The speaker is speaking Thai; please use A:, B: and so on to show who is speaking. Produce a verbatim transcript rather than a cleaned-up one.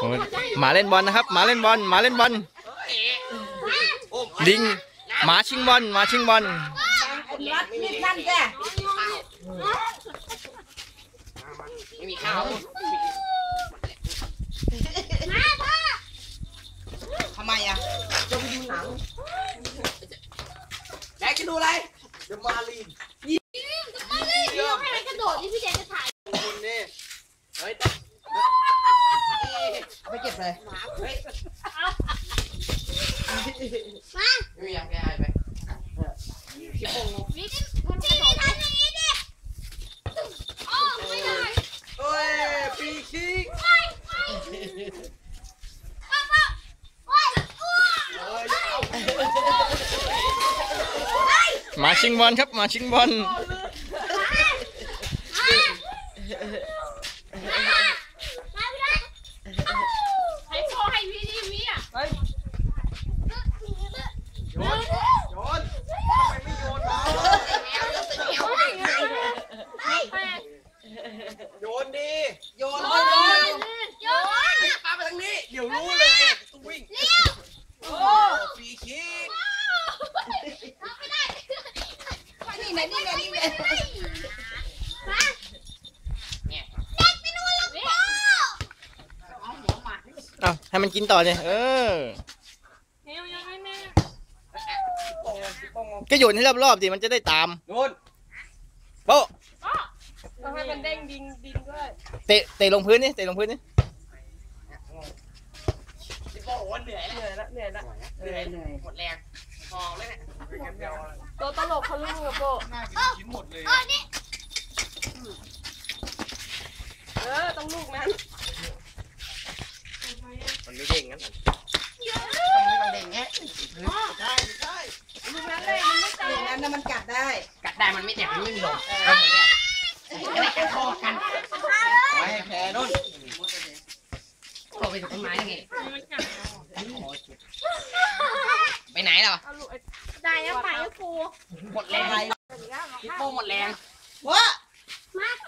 A: หมาเล่นบอลนะครับหมาเล่นบอลหมาเล่นบอลลิงหมาชิงบอลหมาชิงบอล
B: รัดมีดนั่นแก
C: ไม่มีข้าวทำไมอ่ะจะไปดูหนังแจ็คจะดูอะไรเดอะมารีนยิ้มเดอะมารีนเดี๋ยวให้มันกระโดดที่พี่แจ็คจะถ่ายคุณนี่เฮ้ยเอาไปเก็บเลยเฮ้ยมาไม่มีอย่างแกหายไปขี้โป่งนี่มันกระโดดทำอย่างนี้ดิโอ้ไม่ได้เฮ้ยปีคิก
A: หมาชิงบอลครับหมาชิงบอล
D: ให้พ่อให้พี่นี่วิอ่ะ
C: โยนโยนทำไมไม่โยนมาโยนดีโยนโยนโยนปาไปทางนี้เดี๋ยวรู้เลยต้องวิ่งโอ้ปีคิก
B: นี่ไงนี่ไงนี่ไง
A: เอาให้มันกินต่อเลยเออก็โยนให้รอบๆดิมันจะได้ตาม
C: โยน
A: โป๊ะ
D: ต้องให้มันเด้งดิงดิงด้วย
A: เตะเตะลงพื้นนี่เตะลงพื้นนี่
C: พี่โป้โอ้เหนื่อยแล้วเหนื่อยแล้วเหนื่อยเหนื่อยหมดแรงมองเลยเนี่ย
D: ตัวตลกเขาลูกกับโบ
C: น่ากินชิ้นหมดเลย
D: เออต้องลูกนั้น
C: มันไม่เด้งงั้นมันเด้งแง่ใช่ใช่
D: ลูกนั้นเลยมันไม่ตาย
B: ลูกนั้นน่ะมันกัดได้
C: กัดได้มันไม่เจ็บมันไม่มีลมอะไรกันคอกันไว้แพ้นู่นโผล่ไปถึงต้นไม้ยังไงไปไหนล่ะ
D: ได้แล้วไปแล้วครู
C: หมดแรงพี่โป้หมดแรง
B: ว้า
D: มา